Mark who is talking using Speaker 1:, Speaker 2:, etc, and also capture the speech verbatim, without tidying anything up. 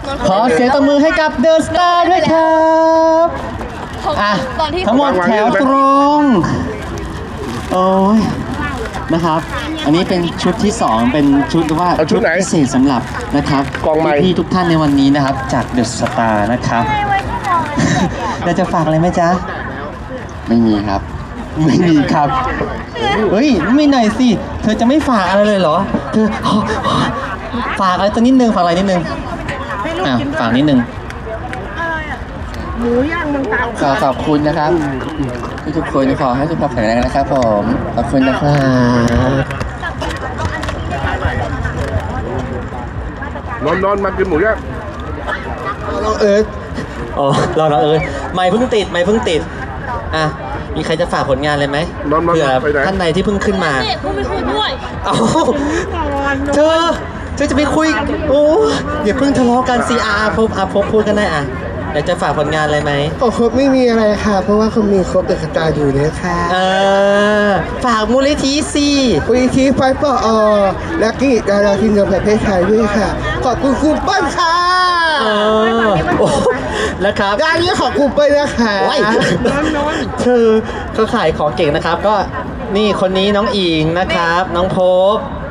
Speaker 1: ขอเสียงตบมือให้กับเดอะสตาร์ด้วยครับอ่ะทั้งหมดแถวตรงโอ้ยนะครับอันนี้เป็นชุดที่สองเป็นชุดว่า
Speaker 2: เอาชุดไหน
Speaker 1: พิเศษสำหรับนะครับ
Speaker 2: กองไม้
Speaker 1: พี่ๆทุกท่านในวันนี้นะครับจากเดอะสตาร์นะครับเราจะฝากอะไรไหมจ๊ะไม่มีครับไม่มีครับเฮ้ยไม่หน่อยสิเธอจะไม่ฝากอะไรเลยเหรอเธอฝากอะไรตัวนิดนึงฝากอะไรนิดนึงอ่ะฝากนิดนึง
Speaker 3: หมูย่างเมืองตราด
Speaker 1: ขอขอบคุณนะครับทุกๆคนขอให้สุขภาพแข็งแรงนะครับผมขอบคุณนะครับ
Speaker 2: นอนนอนมากินหมูย่าง
Speaker 1: น้องเอิร์ธอ๋อรอน้องเอิร์ธไม่เพิ่งติดไม่เพิ่งติดอ่ะมีใครจะฝากผลงานเลยไหม
Speaker 2: นอนมา
Speaker 1: เผื่อ
Speaker 2: ไปไหน
Speaker 1: ท่านใดที่เพิ่งขึ้นมา
Speaker 4: เนี่ยพูดไม่คุยด้วย
Speaker 1: เอ้าเธอเธอจะไปคุยโอ้อย่าเพิ่งทะเลาะกันซีอาร์พบอาพบพูดกันได้อ่ะอยากจะฝากผลงานอะไรไหม
Speaker 3: โอ้ครบไม่มีอะไรค่ะ เพราะว่าเขามีครบเอกตาอยู่เนี่ยค่ะ
Speaker 1: เออฝากมูลนิธิสิ
Speaker 3: วีทีไฟปอและกิดาราทีมงานประเทศไทยด้วยค่ะ ขอบคุณครูเปิ้ลค่ะ
Speaker 1: เออโอ้แล้วครับ
Speaker 3: งานนี้ขอบคุณเปิ้ลนะคะ
Speaker 1: โอ้ยเธอก็ขายของเก่งนะครับ ก็นี่คนนี้น้องอิงนะครับ น้องภพ